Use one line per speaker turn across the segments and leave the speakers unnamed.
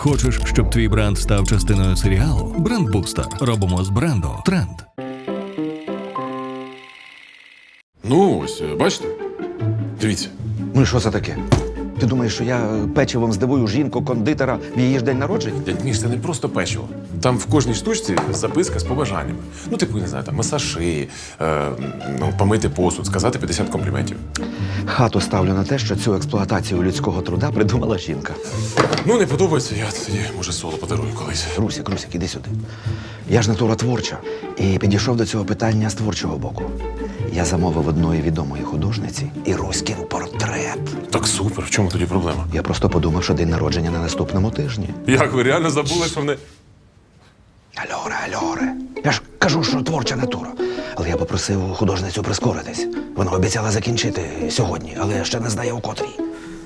Хочеш, щоб твій бренд став частиною серіалу? Брендбустер. Робимо з бренду тренд.
Ну, ось, бачите? Дивіться.
Ну і що це таке? Ти думаєш, що я печивом здивую жінку-кондитера в її ж день народження?
Дядь Міш, це не просто печиво. Там в кожній штучці записка з побажаннями. Ну, типу, не знаю, там масаж шиї, помити посуд, сказати 50 компліментів.
Хату ставлю на те, що цю експлуатацію людського труда придумала жінка.
Ну, не подобається, я тоді, може, соло подарую колись.
Русік, іди сюди. Я ж натура творча і підійшов до цього питання з творчого боку. Я замовив одної відомої художниці і Руськін портрет.
Так супер, в чому тоді проблема?
Я просто подумав, що день народження на наступному тижні.
Як ви реально забули, що вони...
Альоре. Я ж кажу, що творча натура. Але я попросив художницю прискоритись. Вона обіцяла закінчити сьогодні, але ще не знає у котрій.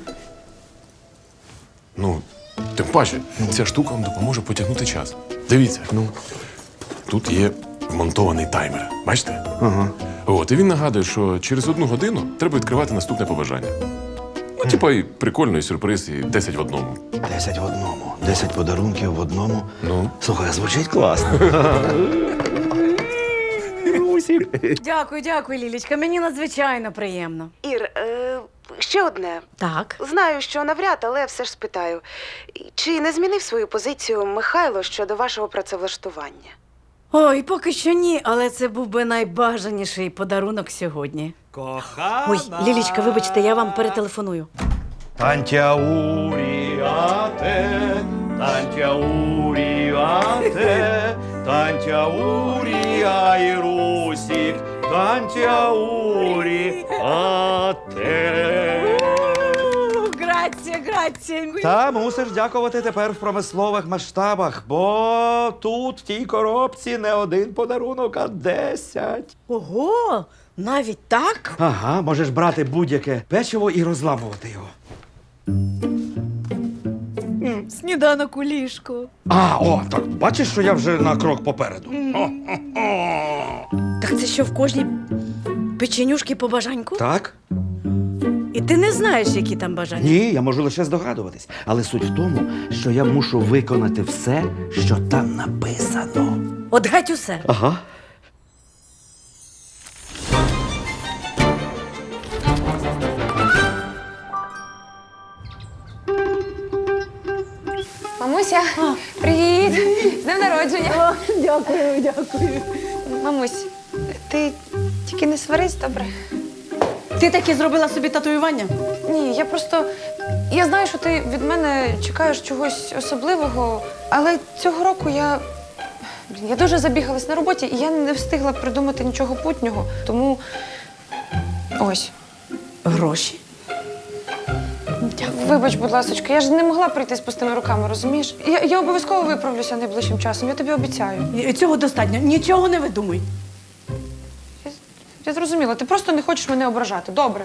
Ну, тим паче, ця штука вам допоможе потягнути час. Дивіться.
Ну?
Тут є вмонтований таймер. Бачите?
Ага.
От, і він нагадує, що через 1 годину треба відкривати наступне побажання. Ну, типа, і прикольний сюрприз, і 10 в одному.
10 в одному. 10 подарунків в одному.
Ну?
Слухай, звучить класно.
Дякую, Лілічка. Мені надзвичайно приємно.
Ір, ще одне.
Так.
Знаю, що навряд, але все ж спитаю. Чи не змінив свою позицію Михайло щодо вашого працевлаштування?
Ой, поки що ні, але це був би найбажаніший подарунок сьогодні.
Кохана.
Ой, Лілічка, вибачте, я вам перетелефоную.
Тантяуріате, тантяуріате, тантяуріай Русік, тантяуріате.
Грація.
Та мусиш дякувати тепер в промислових масштабах, бо тут в тій коробці не один подарунок, а 10.
Ого, навіть так?
Ага, можеш брати будь-яке печиво і розламувати його.
Сніданок у ліжку.
Так бачиш, що я вже на крок попереду.
Так це що в кожній печенюшки по бажаньку?
Так?
І ти не знаєш, які там бажання?
Ні, я можу лише здогадуватись. Але суть в тому, що я мушу виконати все, що там написано.
От геть усе.
Ага.
Мамуся, привіт! З днем народження!
Дякую.
Мамусь, ти тільки не сварись, добре?
Ти таки зробила собі татуювання?
Ні, я знаю, що ти від мене чекаєш чогось особливого, але цього року я дуже забігалась на роботі, і я не встигла придумати нічого путнього. Тому ось.
Гроші?
Вибач, будь ласочка, я ж не могла прийти з пустими руками, розумієш? Я обов'язково виправлюся найближчим часом, я тобі обіцяю.
Цього достатньо. Нічого не видумуй.
Я зрозуміла, ти просто не хочеш мене ображати. Добре.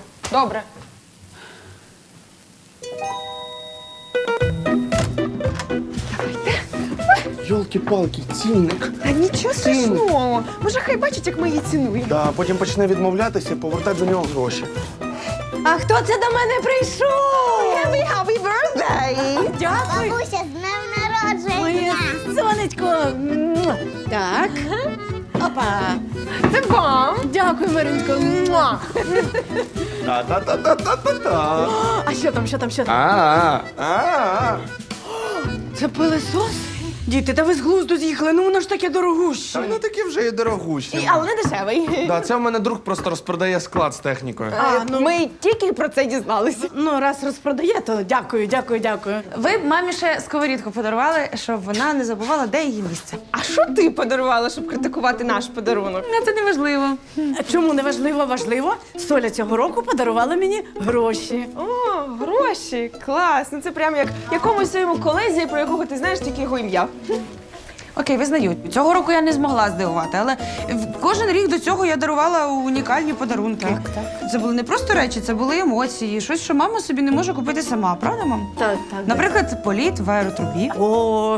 Йолки-палки, цінник.
Та нічого страшного. Може, хай бачить, як ми її цінуємо.
Да, потім почне відмовлятися і повертати за нього гроші.
А хто це до мене прийшов?
Happy birthday!
Дякую.
Бабуся, з днем народження!
Моє сонечко. Муа. Так. Опа.
Це вам!
Дякую, Мариночко. Муа.
Та-та-та-та-та-та.
А що там?
А-а-а.
Це пилесос? Діти, та ви з глузду з'їхали, ну воно ж таке дорогуще.
Та воно таке вже і дорогущі.
Але не дешевий.
Да, це в мене друг просто розпродає склад з технікою.
Ми тільки про це дізналися.
Ну, раз розпродає, то дякую.
Ви б мамі ще сковорідку подарували, щоб вона не забувала, де її місце.
А що ти подарувала, щоб критикувати наш подарунок?
Це не важливо.
Чому не важливо? Важливо. Соля цього року подарувала мені гроші.
О, гроші! Клас! Ну це прямо як якомусь своєму колезі, про якого ти знаєш тільки його ім'я.
Окей, визнаю. Цього року я не змогла здивувати, але кожен рік до цього я дарувала унікальні подарунки. Так. Це були не просто речі, це були емоції. Щось, що мама собі не може купити сама, правда, мам?
Так.
Наприклад, політ в аеротрубі.
О,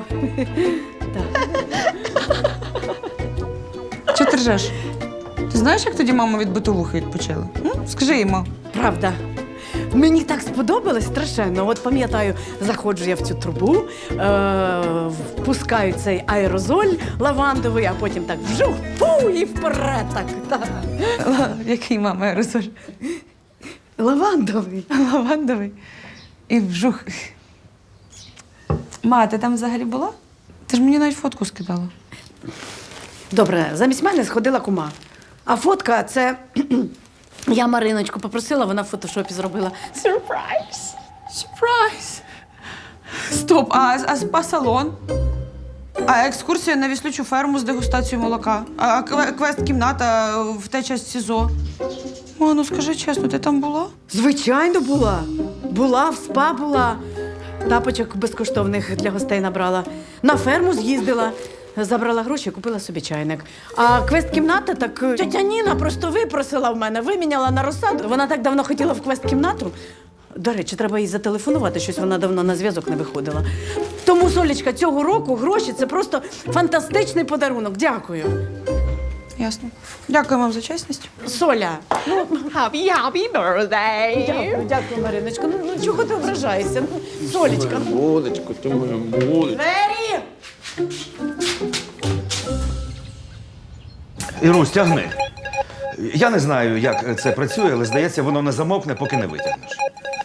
Чого ти ржеш? Ти знаєш, як тоді мама від битовухи відпочила? Скажи їй, ма.
правда. Мені так сподобалось страшенно. От пам'ятаю, заходжу я в цю трубу, впускаю цей аерозоль лавандовий, а потім так вжух, фу, і вперед так.
Який, мама, аерозоль?
Лавандовий.
Лавандовий. І вжух. Ма, ти там взагалі була? Ти ж мені навіть фотку скидала.
Добре, замість мене сходила кума. А фотка це я Мариночку попросила, вона в фотошопі зробила. Сюрприз!
Сюрприз! Стоп, а салон? А екскурсія на віслючу ферму з дегустацією молока? А квест-кімната в ТЧ СІЗО? Ма, ну скажи чесно, ти там була?
Звичайно, була. Була, в спа була. Тапочок безкоштовних для гостей набрала. На ферму з'їздила. Забрала гроші, купила собі чайник. А квест-кімната, так тетя Ніна просто випросила в мене, виміняла на розсаду. Вона так давно хотіла в квест-кімнату. До речі, треба їй зателефонувати, щось вона давно на зв'язок не виходила. Тому, Солічка, цього року гроші – це просто фантастичний подарунок. Дякую.
Ясно. Дякую вам за чесність.
Соля.
Happy birthday!
Дякую, Мариночко. Ну чого ти ображаєшся? Ну, Солічка.
Молодечко, ти моя молодечко.
Двері!
Ірусь, тягни. Я не знаю, як це працює, але здається, воно не замовкне, поки не витягнеш.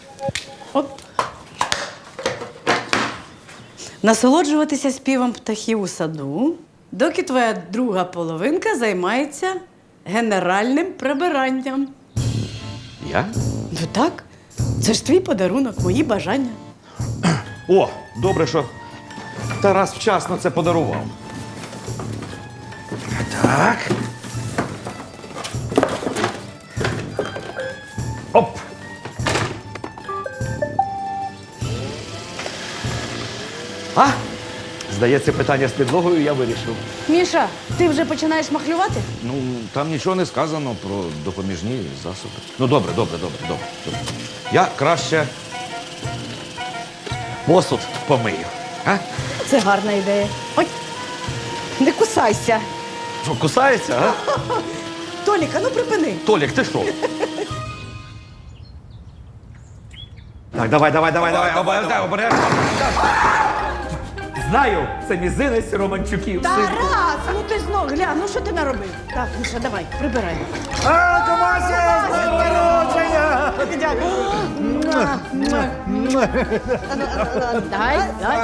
Насолоджуватися співом птахів у саду, доки твоя друга половинка займається генеральним прибиранням.
Я?
Ну так, це ж твій подарунок, мої бажання.
О, добре, що Тарас вчасно це подарував. Так. Оп! А? Здається, питання з підлогою я вирішив.
Міша, ти вже починаєш махлювати?
Ну, там нічого не сказано про допоміжні засоби. Ну, добре. Я краще посуд помию. А?
Це гарна ідея. Ой, не кусайся.
Що, кусається, а?
Толіка, ну припини.
Толік, ти що? Так, давай, обережно. Знаю, це мізинець Романчуків.
Тарас, ну ти знов глянь, ну що ти наробив? Так, Міша, давай, прибирай. Дай.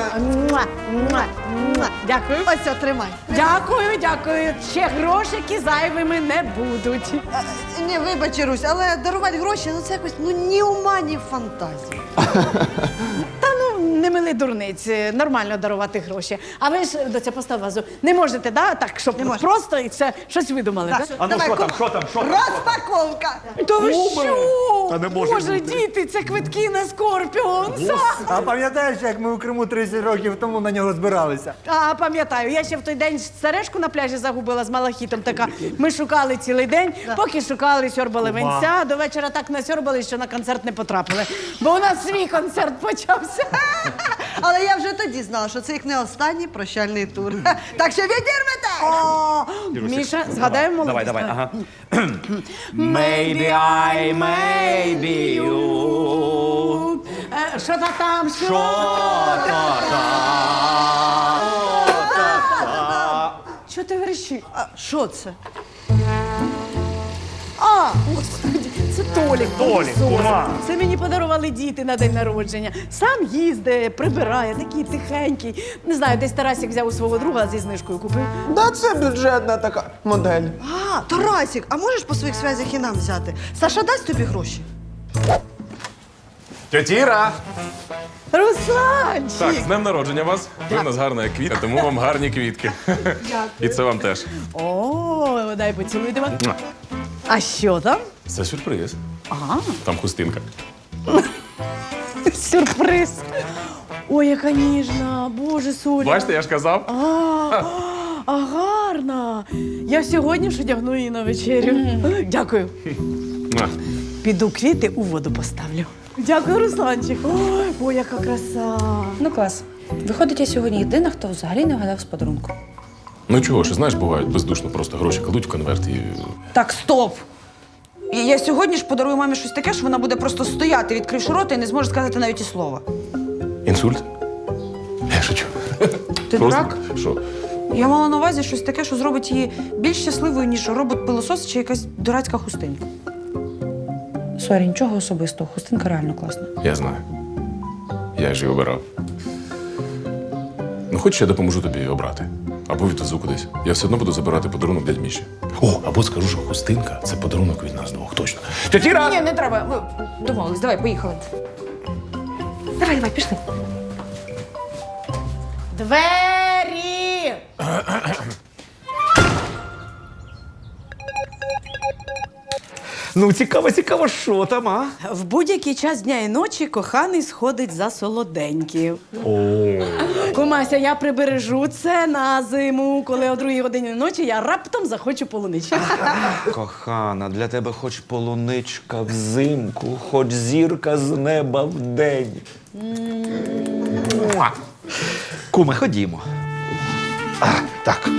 Дякую.
Ось, тримай.
Дякую. Ще грошики зайвими не будуть.
Ні, вибач, Ірусь, але дарувати гроші, ну це якось ні ума, ні фантазії.
Та ну, не мили дурниць, нормально дарувати гроші. А ви ж, доця, постав вазу, не можете, да? Так, щоб просто і все, щось видумали, так?
А ну, що там?
Розпаковка!
То ви що?
Та не може
Боже,
бути.
діти, це квитки на Скорпіонса.
А пам'ятаєш, як ми у Криму 30 років тому на нього збиралися?
А, пам'ятаю, я ще в той день сережку на пляжі загубила з малахітом така. Ми шукали цілий день, поки шукали, сьорбали винця, до вечора так насьорбали, що на концерт не потрапили. Бо у нас свій концерт почався.
Але я вже тоді знала, що це їх не останній прощальний тур. Так що відірвете!
О, Міша, згадаємо молодість.
Давай, ага. Maybe I, maybe you.
Що та там, що? Що ти верещиш?
А що це?
А, господи, це Толік.
Толік, кума.
Це мені подарували діти на день народження. Сам їздить, прибирає, такий тихенький. Не знаю, десь Тарасик взяв у свого друга зі знижкою купив.
Да, це бюджетна така модель.
А, Тарасик, а можеш по своїх зв'язях і нам взяти? Саша дасть тобі гроші?
Тетіра!
Русланчик!
Так, з днем народження вас. Ви в нас гарна квітка, тому вам гарні квітки. І це вам теж.
О, дай поцілуйте. А що там?
Це сюрприз.
Ага.
Там хустинка.
Сюрприз. Ой, яка ніжна. Боже, Соля.
Бачите, я ж казав.
А гарна. Я сьогодні ж одягну її на вечерю. Дякую. Піду квіти у воду поставлю. Дякую, Русланчик. Ой, яка краса.
Ну, клас. Виходить, я сьогодні єдина, хто взагалі не вгадав з подарунку.
Ну чого ж, знаєш, бувають бездушно просто гроші кладуть в конверт і.
Так, стоп!
Я сьогодні ж подарую мамі щось таке, що вона буде просто стояти, відкривши рота і не зможе сказати навіть і слова.
Інсульт? Я шучу.
Ти дурак?
Що?
Я мала на увазі щось таке, що зробить її більш щасливою, ніж робот-пилосос чи якась дурацька хустинка. Сорі, нічого особистого. Хустинка реально класна.
Я знаю. Я ж її обирав. Ну, хоч я допоможу тобі її обрати. Або відвезу кудись. Я все одно буду забирати подарунок для Міші. О, або скажу, що хустинка – це подарунок від нас двох, точно. Тетіра!
Ні, не треба. Ми домовились. Давай, поїхали. Давай, пішли.
Двері!
Ну, цікаво, що там, а?
В будь-який час дня і ночі коханий сходить за солоденьків. Кумася, я прибережу це на зиму, коли о 2 годині ночі я раптом захочу полунички.
Кохана, для тебе хоч полуничка взимку, хоч зірка з неба вдень. Муа. Куме, ходімо. Так.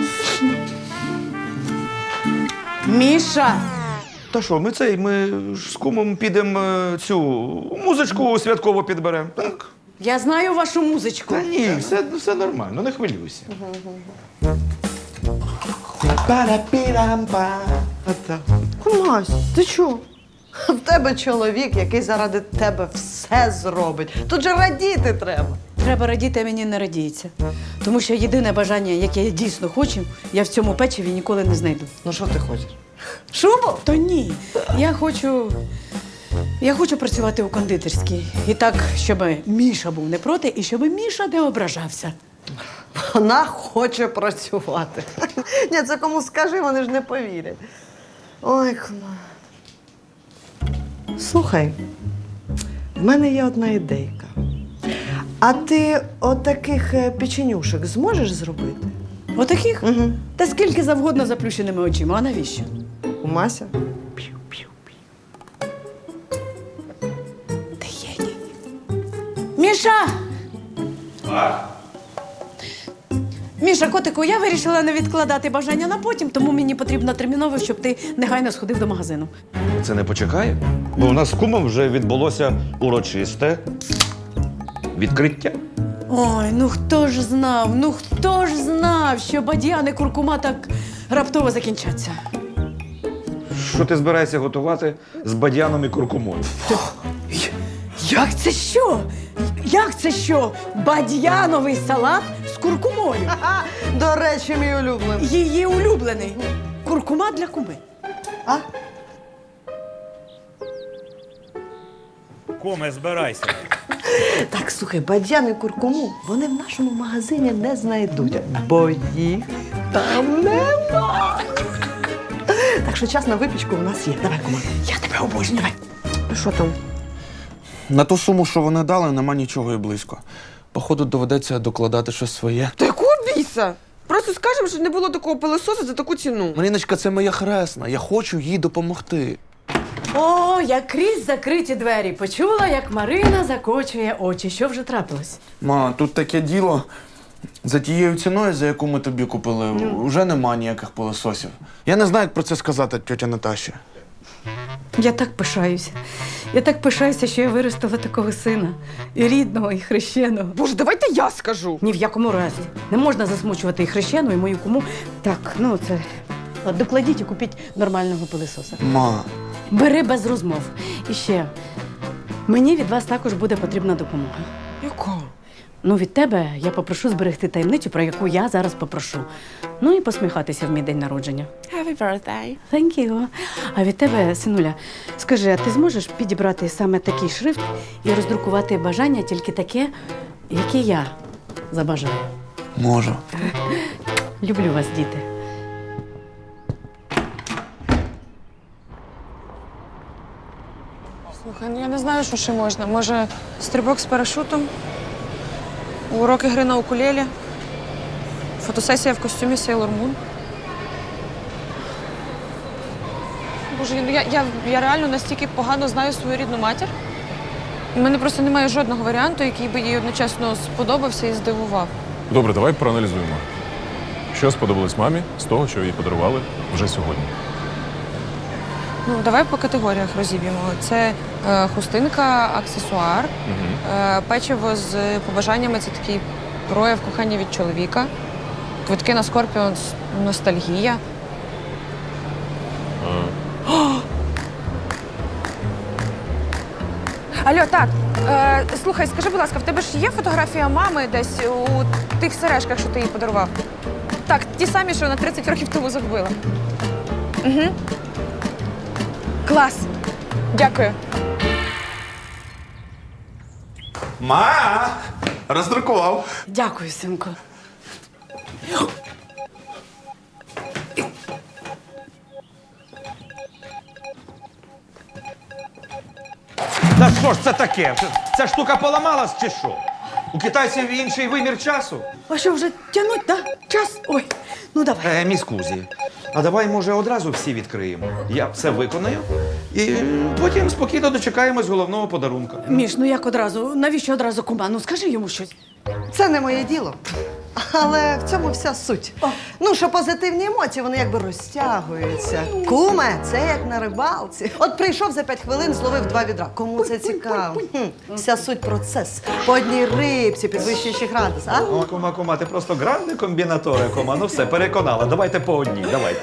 Міша!
Та що, ми ж з кумом підемо цю музичку святково підберемо. Так?
Я знаю вашу музичку.
Та ні, все нормально, не хвилюйся.
Кумась, ти чого? В тебе чоловік, який заради тебе все зробить. Тут же радіти треба.
Треба радіти, а мені не радіється. Тому що єдине бажання, яке я дійсно хочу, я в цьому печиві ніколи не знайду.
Ну що ти хочеш?
Шубу? То ні. Я хочу працювати у кондитерській. І так, щоб Міша був не проти, і щоб Міша не ображався.
Вона хоче працювати. Ні, це кому скажи, вони ж не повірять. Ой, кума. Слухай, в мене є одна ідейка. А ти отаких печенюшек зможеш зробити?
Отаких?
Угу.
Та скільки завгодно заплющеними очима, а навіщо?
Кумася?
Ти геній. Міша! Міша, котику, я вирішила не відкладати бажання на потім, тому мені потрібно терміново, щоб ти негайно сходив до магазину.
Це не почекає? Бо у нас з кумом вже відбулося урочисте відкриття.
Ой, ну хто ж знав, що бадьян і куркума так раптово закінчаться.
Що ти збираєшся готувати з бадьяном і куркумою?
Як це що? Як це що? Бадьяновий салат з куркумою.
До речі, мій улюблений.
Її улюблений. Куркума для куми.
А?
Куме, збирайся.
Так, слухай, бадьян і куркуму вони в нашому магазині не знайдуть, бо їх там нема. Так що час на випічку у нас є. Давай, кума.
Я тебе обожнюю. Давай.
Що там?
На ту суму, що вони дали, нема нічого і близько. Походу, доведеться докладати щось своє.
Та якого біса? Просто скажемо, що не було такого пилососу за таку ціну.
Маріночка, це моя хресна. Я хочу їй допомогти.
О, як крізь закриті двері. Почула, як Марина закочує очі. Що вже трапилось?
Ма, тут таке діло. За тією ціною, за яку ми тобі купили, вже нема ніяких пилососів. Я не знаю, як про це сказати тьотя Наташі.
Я так пишаюся. Я так пишаюся, що я виростила такого сина. І рідного, і хрещеного.
Боже, давайте я скажу.
Ні в якому разі. Не можна засмучувати і хрещену, і мою куму. Так, ну це. От докладіть і купіть нормального пилисоса.
Ма,
Бери без розмов. І ще. Мені від вас також буде потрібна допомога.
Яка?
Ну, від тебе я попрошу зберегти таємницю, про яку я зараз попрошу. Ну і посміхатися в мій день народження.
Happy birthday.
Thank you. А від тебе, синуля, скажи, а ти зможеш підібрати саме такий шрифт і роздрукувати бажання тільки таке, яке я забажаю?
можу.
Люблю вас, діти.
Слухай, ну я не знаю, що ще можна. Може, стрибок з парашутом, уроки гри на укулелі, фотосесія в костюмі Sailor Moon. Боже, ну я реально настільки погано знаю свою рідну матір. У мене просто немає жодного варіанту, який би їй одночасно сподобався і здивував.
Добре, давай проаналізуємо. Що сподобалось мамі з того, що їй подарували вже сьогодні?
Ну, давай по категоріях розіб'ємо. Це хустинка, аксесуар, печиво з побажаннями це такий прояв кохання від чоловіка, квитки на Скорпіон ностальгія. Алло, так, слухай, скажи, будь ласка, в тебе ж є фотографія мами десь у тих сережках, що ти їй подарував? Так, ті самі, що на 30 років тому загубила. Угу. Клас. Дякую.
Ма! Роздрукував.
Дякую, синку.
Та що ж це таке? Ця штука поламалась чи що? У китайців інший вимір часу?
А що, вже тягнуть, да? Час? Ой, ну давай.
Міскузі. А давай, може, одразу всі відкриємо. Я все виконаю і потім спокійно дочекаємось головного подарунка.
Міш, ну як одразу? Навіщо одразу кума? Ну скажи йому щось.
Це не моє діло. Але в цьому вся суть. Ну, що позитивні емоції, вони якби розтягуються. Куме, це як на рибалці. От прийшов за 5 хвилин, зловив 2 відра. Кому це цікаво? Вся суть процес. По одній рибці, підвищуючи градус, а?
О, кума, ти просто грандий комбінатори, кума. Ну все, переконала. Давайте по одній, давайте.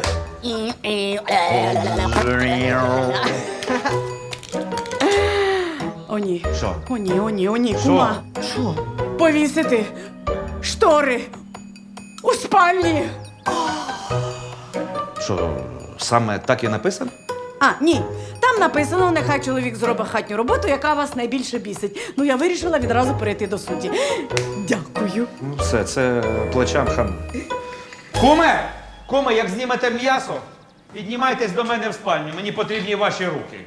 О, ні.
Що?
О, ні, о, ні, о, ні, кума.
Що?
Повісити штори у спальні.
Що, саме так і написано?
А, ні. Там написано, нехай чоловік зробить хатню роботу, яка вас найбільше бісить. Ну, я вирішила відразу перейти до суті. Дякую.
Ну все, це плечам хам. Куме! Куме, як знімете м'ясо, піднімайтесь до мене в спальню. Мені потрібні ваші руки.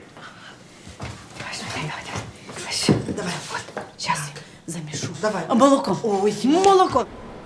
Давай, от, зараз замішу.
Давай.
Молоко. Ой, молоко.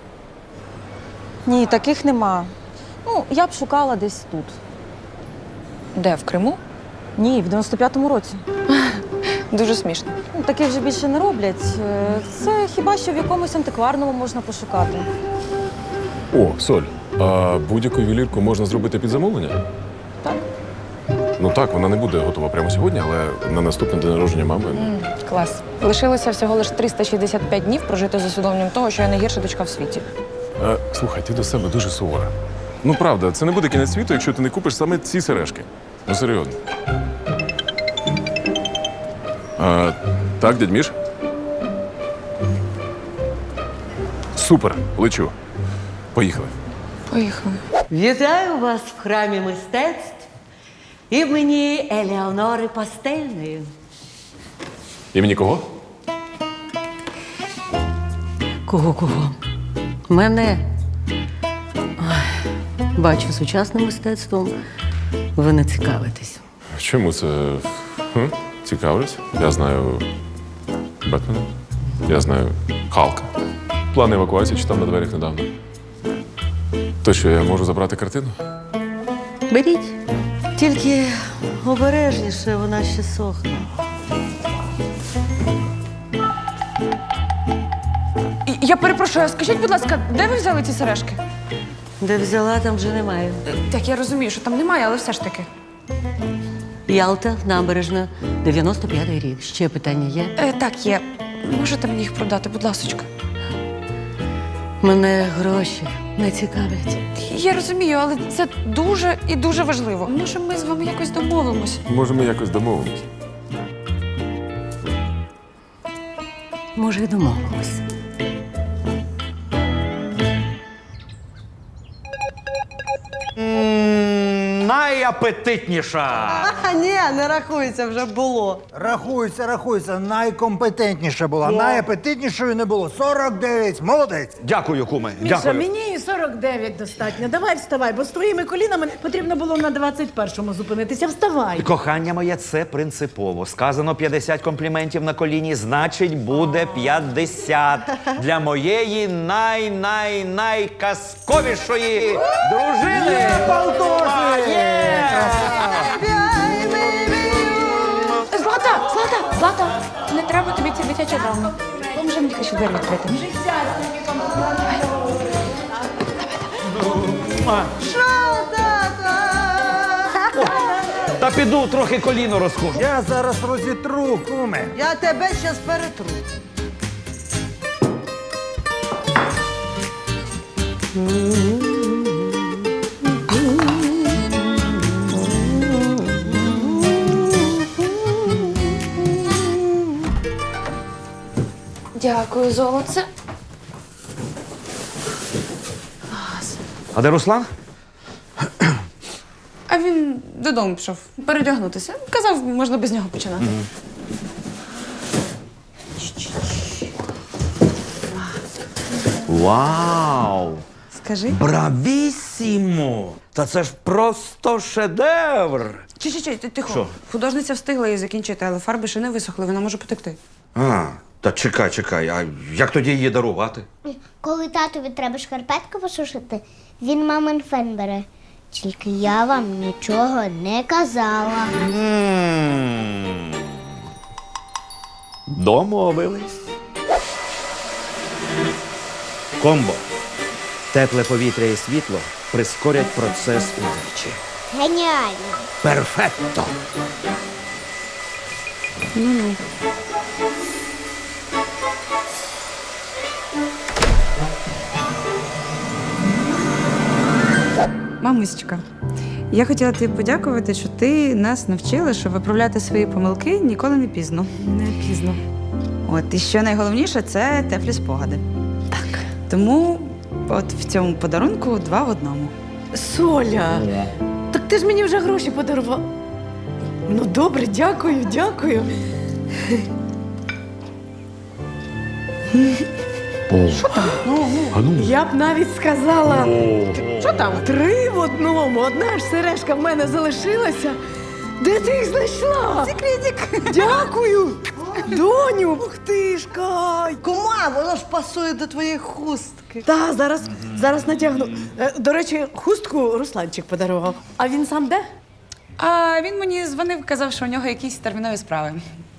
Ні, таких нема.
Ну, я б шукала десь тут.
Де, в Криму?
Ні, в 95-му році.
Дуже смішно.
Ну, таких вже більше не роблять. Це хіба що в якомусь антикварному можна пошукати.
О, Соль, а будь-яку ювелірку можна зробити під замовлення?
Так.
Ну так, вона не буде готова прямо сьогодні, але на наступний день народження мами.
Клас. Лишилося всього лише 365 днів прожити з усвідомленням того, що я найгірша дочка в світі.
Слухай, ти до себе дуже сувора. Ну правда, це не буде кінець світу, якщо ти не купиш саме ці сережки. Ну серйозно. Так, дядь Міш? Супер, лечу. Поїхали.
Поїхали.
Вітаю вас в храмі мистецтв імені Елеонори Пастельної.
Імені кого?
Кого? Мене. Ой, бачу, сучасним мистецтвом ви не цікавитесь.
Чому це? Цікавлюсь. Я знаю Бетмена. Я знаю Халка. План евакуації читав на дверях недавно. То що, я можу забрати картину?
Беріть. Тільки обережніше, вона ще сохне.
Я перепрошую, а скажіть, будь ласка, де ви взяли ці сережки?
Де взяла, там вже немає.
Так, я розумію, що там немає, але все ж таки.
Ялта, набережна, 95-й рік. Ще питання є?
Так, є. Можете мені їх продати, будь ласочка?
Мене гроші не цікавлять.
Я розумію, але це дуже і дуже важливо. Може, ми з вами якось домовимось?
Може, ми якось домовимось?
Може, й домовимось.
Найапетитніша!
Ні, не рахується, вже було.
Рахується. Найкомпетентніша була. Найапетитнішою не було. 49. Молодець.
Дякую, куме.
Міша,
Дякую.
мені і 49 достатньо. Давай вставай, бо з твоїми колінами потрібно було на 21-му зупинитися. Вставай.
Кохання моє, це принципово. Сказано 50 компліментів на коліні, значить буде 50. Для моєї найказковішої дружини.
Злата, не треба тобі ці дитячі драми. Поможи мені ще двері відкрити.
Що, тата?
Та піду трохи коліно розхожу.
Я зараз розітру, куме.
Я тебе щас перетру.
Дякую, золоце.
А де Руслан?
А він додому пішов передягнутися. Казав, можна без нього починати.
Вау!
Скажи.
Бравісімо! Та це ж просто шедевр!
Чи, тихо.
Що?
Художниця встигла її закінчити, але фарби ще не висохли, вона може потекти.
А, та чекай, а як тоді її дарувати?
Коли татові треба шкарпетку посушити, він мамин фен бере. Тільки я вам нічого не казала.
Домовились.
Комбо. Тепле повітря і світло прискорять процес удачі.
Геніально.
Перфекто!
Мамусечка, я хотіла тобі подякувати, що ти нас навчила, що виправляти свої помилки ніколи не пізно.
Не пізно.
От, і що найголовніше, це теплі спогади. Так. Тому от в цьому подарунку 2 в 1.
Соля, так ти ж мені вже гроші подарував. Ну добре, дякую. Я б навіть сказала, що там? 3 в 1. Одна ж сережка в мене залишилася. Де ти їх знайшла?
Секретик.
Дякую. Доню, ух ти ж, Кай.
Кума, воно ж пасує до твоєї хустки.
Та, зараз натягну. До речі, хустку Русланчик подарував. А він сам де?
А він мені дзвонив, казав, що у нього якісь термінові справи.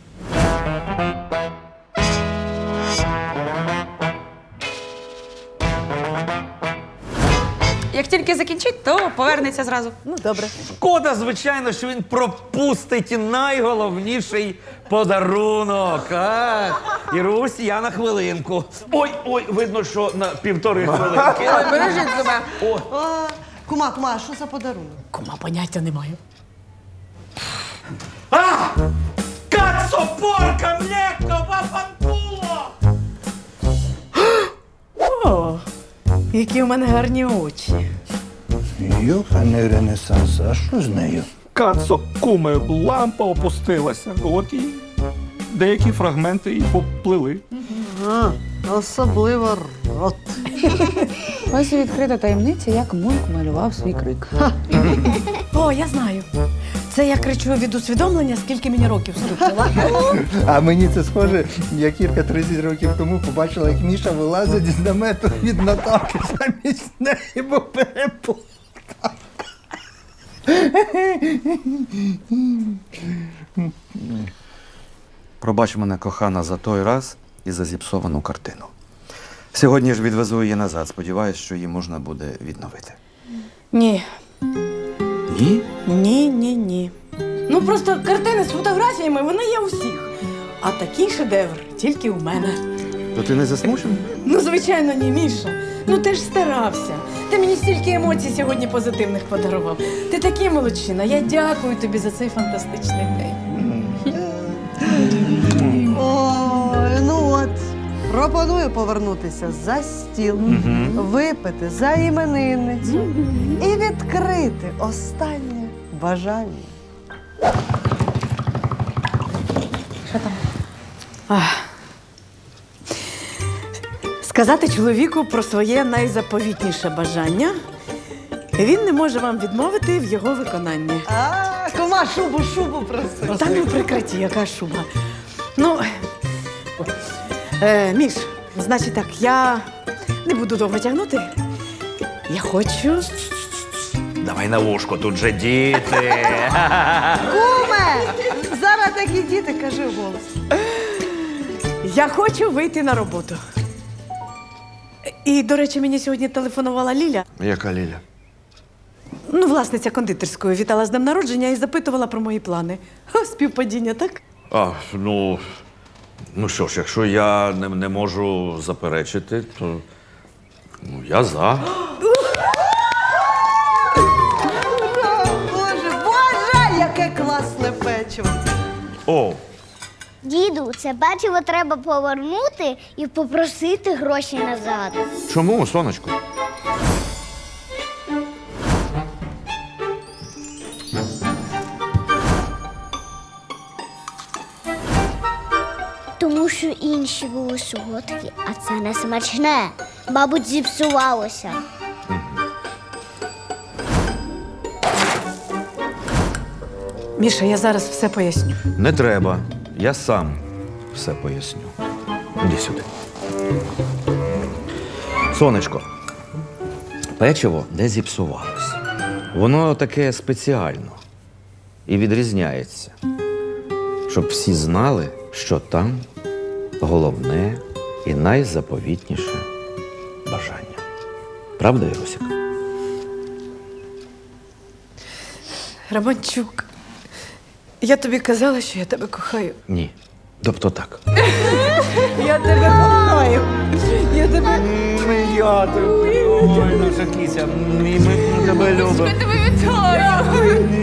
Як тільки закінчить, то повернеться зразу.
Ну, добре.
Шкода, звичайно, що він пропустить найголовніший подарунок. А? Ірусь, я на хвилинку. Ой, видно, що на 1,5 хвилинки.
Бережіть себе. Кума, а що за подарунок?
Кума, поняття не маю.
Кацопорка, млеко, вафантуло!
О, які у мене гарні очі.
Йоханий ренесанс, а що з нею?
Кацо, куме, лампа опустилася. От і деякі фрагменти і поплили.
Особливо рот.
Ось і відкрита таємниця, як Мунк малював свій крик.
О, я знаю. Це я кричу від усвідомлення, скільки мені років стукнуло.
А мені це схоже, як Ірка 30 років тому побачила, як Міша вилазить з намету від Наталки замість неї, бо переплутав.
Пробач мене, кохана, за той раз і за зіпсовану картину. Сьогодні ж відвезу її назад. Сподіваюсь, що її можна буде відновити.
Ні.
Ні?
Ні. Ну просто картини з фотографіями, вони є у всіх. А такий шедевр тільки у мене.
То ти не засмучений?
Ну, звичайно, ні, Міша. Ну ти ж старався. Ти мені стільки емоцій сьогодні позитивних подарував. Ти такий молодчина. Я дякую тобі за цей фантастичний день.
Ой, ну от. Пропоную повернутися за стіл, випити за іменинницю і відкрити останнє бажання.
Що там?
Сказати чоловіку про своє найзаповітніше бажання. Він не може вам відмовити в його виконанні.
Кума, шубу проси.
Та ну прикриті, яка шуба. Ну, Міш, значить так, я не буду довго тягнути. Я хочу.
Давай на вушко, тут же діти.
Куме! Зараз такі діти, кажи вголос.
Я хочу вийти на роботу. І, до речі, мені сьогодні телефонувала Ліля.
Яка Ліля?
Ну, власниця кондитерської вітала з днем народження і запитувала про мої плани. Ха, співпадіння, так?
Ну що ж, якщо я не можу заперечити, то я за.
Боже, яке класне печиво!
О,
Діду, це печиво треба повернути і попросити гроші назад.
чому, сонечко?
Тому що інші були солодкі, а це не смачне. Мабуть, зіпсувалося.
Міша, я зараз все поясню.
Не треба. Я сам все поясню. Іди сюди. Сонечко, печиво не зіпсувалось. Воно таке спеціально і відрізняється, щоб всі знали, що там головне і найзаповітніше бажання. Правда, Ірусік?
Романчук, я тобі казала, що я тебе кохаю.
Ні. Тобто так.
Я тебе кохаю. Я тебе.
Ой, наша кіся, ми тебе любимо.
Я тебе вітаю!